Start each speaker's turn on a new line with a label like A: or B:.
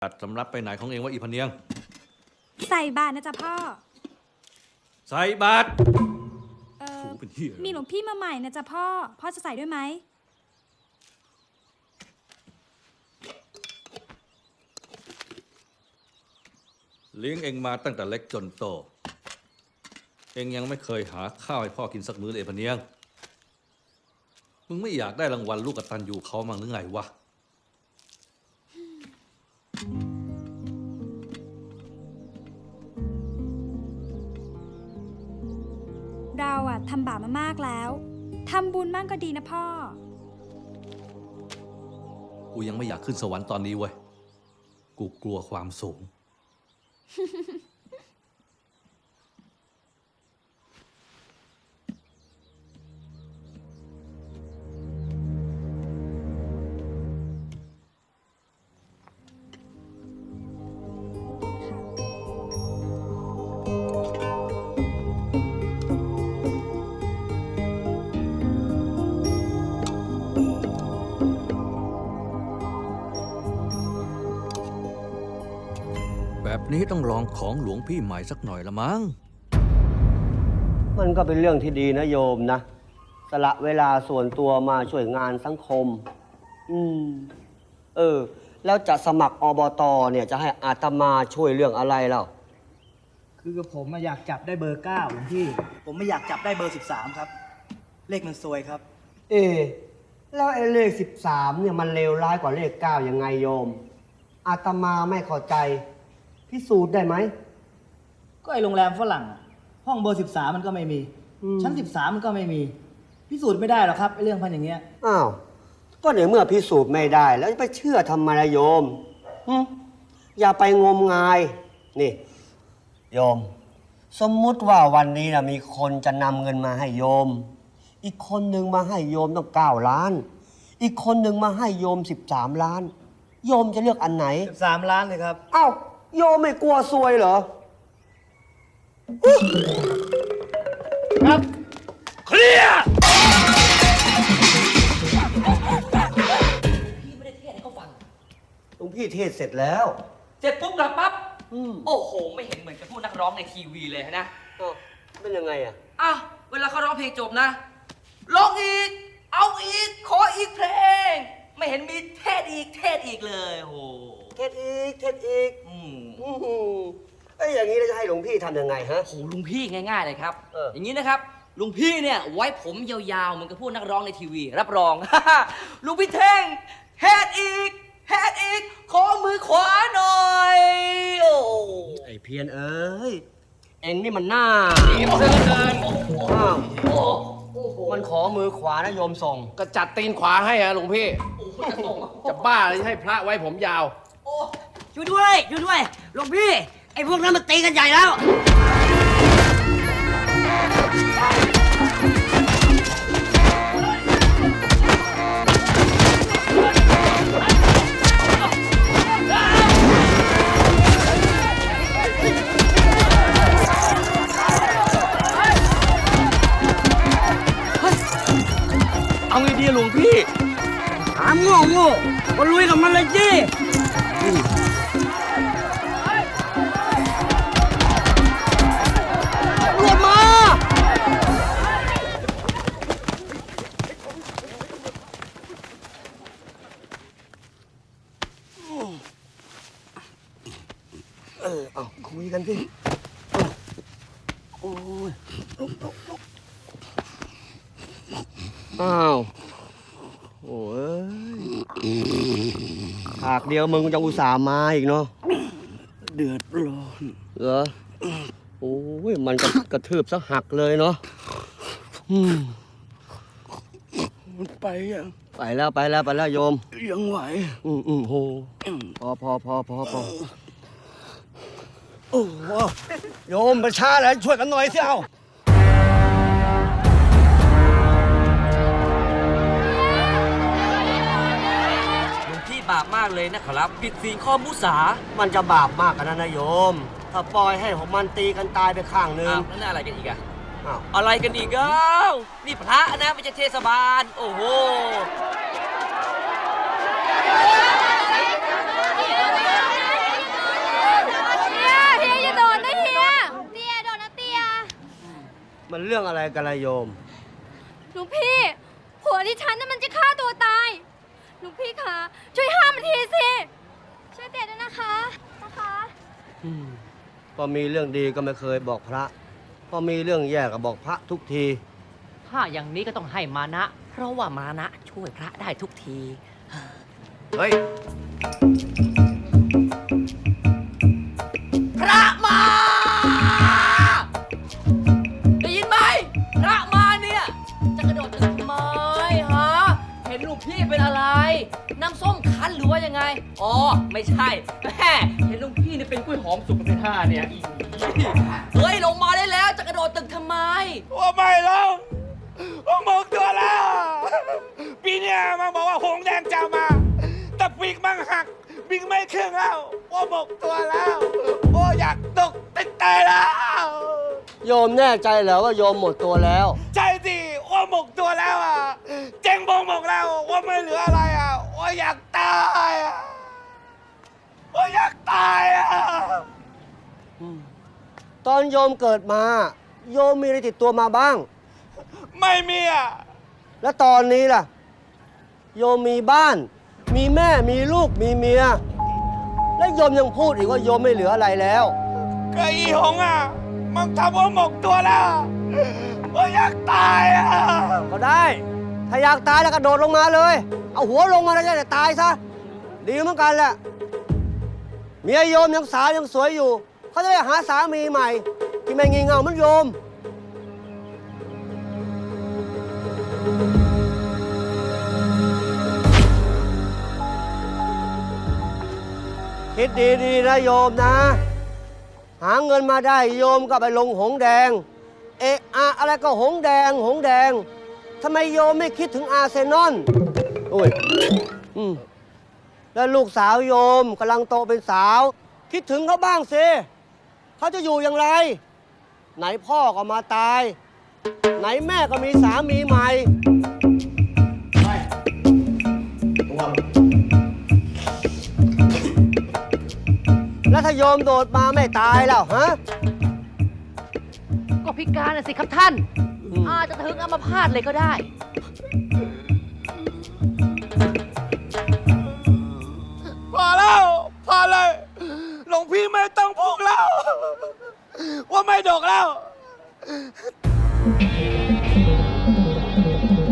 A: จัดสำรับไปไหนของเองวะอีพเนียง
B: ใส่บาตรนะจ๊ะพ่อ
A: ใส่บาตรเป็นเหี้ย
B: มีหลวงพี่มาใหม่นะจ๊ะพ่อจะใส่ด้วยไหม
A: เลี้ยงเองมาตั้งแต่เล็กจนโตเองยังไม่เคยหาข้าวให้พ่อกินสักมื้อเลยพเนียงมึงไม่อยากได้รางวัลลูกกตัญญูเขามั้งหรือไงวะ
B: เราอะทำบาปมามากแล้วทำบุญมั่งก็ดีนะพ่อ
A: กูยังไม่อยากขึ้นสวรรค์ตอนนี้เว้ยกูกลัวความสูงแบบนี้ต้องลองของหลวงพี่ใหม่สักหน่อยละมั้ง
C: มันก็เป็นเรื่องที่ดีนะโยมนะสละเวลาส่วนตัวมาช่วยงานสังคมแล้วจะสมัครอบต.เนี่ยจะให้อาตมาช่วยเรื่องอะไรเล่า
D: คือผมอยากจับได้เบอร์ 9หลวงพี่ผมไม่อยากจับได้เบอร์ 13ครับเลขมันซวยครับ
C: แล้วไอ้เลข13เนี่ยมันเลวร้ายกว่าเลข9ยังไงโยมอาตมาไม่เข้าใจพิสูจน์ได้ไหม
D: ก็ไอโรงแรมฝรั่งห้องเบอร์13มันก็ไม่มีชั้น13มันก็ไม่มีพิสูจน์ไม่ได้หรอกครับไอเรื่องพันอย่างเงี้ย
C: อ้าวก็ในเมื่อพิสูจน์ไม่ได้แล้วจะไปเชื่อทำไมล่ะโยมอย่าไปงมงายนี่โยมสมมุติว่าวันนี้นะมีคนจะนำเงินมาให้โยมอีกคนหนึ่งมาให้โยมต้อง9 ล้านอีกคนหนึ่งมาให้โยม13 ล้านโยมจะเลือกอันไหน
D: 13 ล้านเลยครับ
C: อ้าวโยมไม่กลัวซวยเหรอ
D: ครับ
A: เคลียร์
E: พี่ไม่ได้เทศให้เขาฟัง
C: หลวงพี่เทศเสร็จแล้ว
E: เสร็จปุ๊บกลับปั๊บโอ้โหไม่เห็นเหมือนกับพวกนักร้องในทีวีเลยนะ
C: เป็นยังไงอ่ะ
E: เวลาเขาร้องเพลงจบนะร้องอีกเอาอีกขออีกเพลงไม่เห็นมีเทศอีกเลยโห
C: เทศอีกอย่างนี้เราจะให้หลวงพี่ทำยังไงฮะ
E: โหลุงพี่ง่ายๆเลยครับอย่างนี้นะครับลุงพี่เนี่ยไว้ผมยาวๆเหมือนกับพวกนักร้องในทีวีรับรองลุงพี่เท่งเทศอีกขอมือขวาหน่อยโอ้
C: ไอ้เพียรเอ้ยเอ็งนี่มันหน้า
E: ดีมากเลย
C: มันขอมือขวานะโยมส่ง
F: ก็จัดตีนขวาให้อะหลวงพี่จะบ้าเลยให้พระไว้ผมยาว
E: ช่วยด้วยหลวงพี่ไอ้พวกนั้นมันตีกันใหญ่แล้ว
F: เอาไงดีหลวงพี่
E: ถามโง่ก็ลุยกับมันเลยจีรวมมา
C: เอาคุยกันสิโอ้ยอ้าวโอ้ยหากเดียวมึงจะอุตส่าห์มาอีกเนาะ
F: เดือดร้อน
C: เหรอโอ้ยมันกระทืบซะหักเลยเนาะ
F: มันไปยัง
C: ไปแล้วโยม
F: ยังไหว
C: โหพอโอ้โหโยมประชาอะไรช่วยกันหน่อยสิเอา
E: บาปมากเลยนะครับผิดศีลข้อมุสา
C: มันจะบาปมากกันนะโยมถ้าปล่อยให้ของมันตีกันตายไปข้างนึง
E: นั่นอะไรกันอีกอะอะไรกันอีกนี่พระนะไม่ใช่เทศบาลโอ้โห
B: เ
C: มันเรื่องอะไรกันละโยม
G: หลวงพี่ ผัวดิฉันน่ะมันจะฆ่าตัวตายหลวงพี่คะช่วยห้ามมันทีสิ ช่วยเตะด้วยนะคะนะคะ
C: พอมีเรื่องดีก็ไม่เคยบอกพระ พอมีเรื่องแย่ก็บอกพระทุกที
E: ถ้าอย่างนี้ก็ต้องให้มานะ เพราะว่ามานะช่วยพระได้ทุกที
F: เฮ้ย
E: พระมา ได้ยินไหม พระมาเนี่ย จะกระโดดตึกทำไมฮะ เห็นลูกพี่เป็นอะไร น้ำส้มคั้นหรือว่ายังไง อ๋อ ไม่ใช่แม่เห็นลูกพี่เนี่ยเป็นกล้วยหอมสุกเป็นท่าเนี่ยอีเฮ้ย ลงมาได้แล้ว จะกระโดดตึกทำไม
H: ว่าไม่แล้วว่าหมกตัวแล้ว ปีเนี้ยมันบอกว่าหงส์แดงจะมา แต่ปีกมันหักบิงไม่ขึ้นแล้วว่าหมกตัวแล้วโอ้อยากตกติดตายแล้ว
C: โยมแน่ใจเหรอว่าโยมหมดตัวแล้ว
H: ใจสิว่าหมกตัวแล้วอ่ะเจ๊งบงหมกแล้วว่าไม่เหลืออะไรอ่ะว่าอยากตายอ่ะว่าอยากตายอ่ะ
C: ตอนโยมเกิดมา โยมมีอะไรติดตัวมาบ้าง
H: ไม่มีอ่ะ
C: แล้วตอนนี้ล่ะ โยมมีบ้าน มีแม่มีลูกมีเมีย แล้วโยมยังพูดอีกว่าโยมไม่เหลืออะไรแล้ว
H: ก็อีหงอ่ะมันทำว่าหมกตัวแล้วว่าอยากตายอ่ะ
C: ก็ได้ ถ้าอยากตายแล้วกระโดดลงมาเลย เอาหัวลงมาแล้วจะได้ตายซะ ดีเหมือนกันแหละ เมียโยมยังสาวยังสวยอยู่ เขาจะได้หาสามีใหม่ ที่ไม่งี่เง่าเหมือนโยม คิดดีๆนะโยมนะ หาเงินมาได้โยมก็ไปลงหงแดง เอะอะอะไรก็หงแดงหงแดงทำไมโยมไม่คิดถึงอาร์เซนอลโอ้ยแล้วลูกสาวโยมกำลังโตเป็นสาว คิดถึงเขาบ้างสิเขาจะอยู่อย่างไร ไหนพ่อก็มาตาย ไหนแม่ก็มีสามีใหม่ แล้วถ้าโยมโดดมาไม่ตายแล้วฮะ
E: ก็พิการน่ะสิครับท่าน อาจจะถึงอัมพาตเลยก็ได้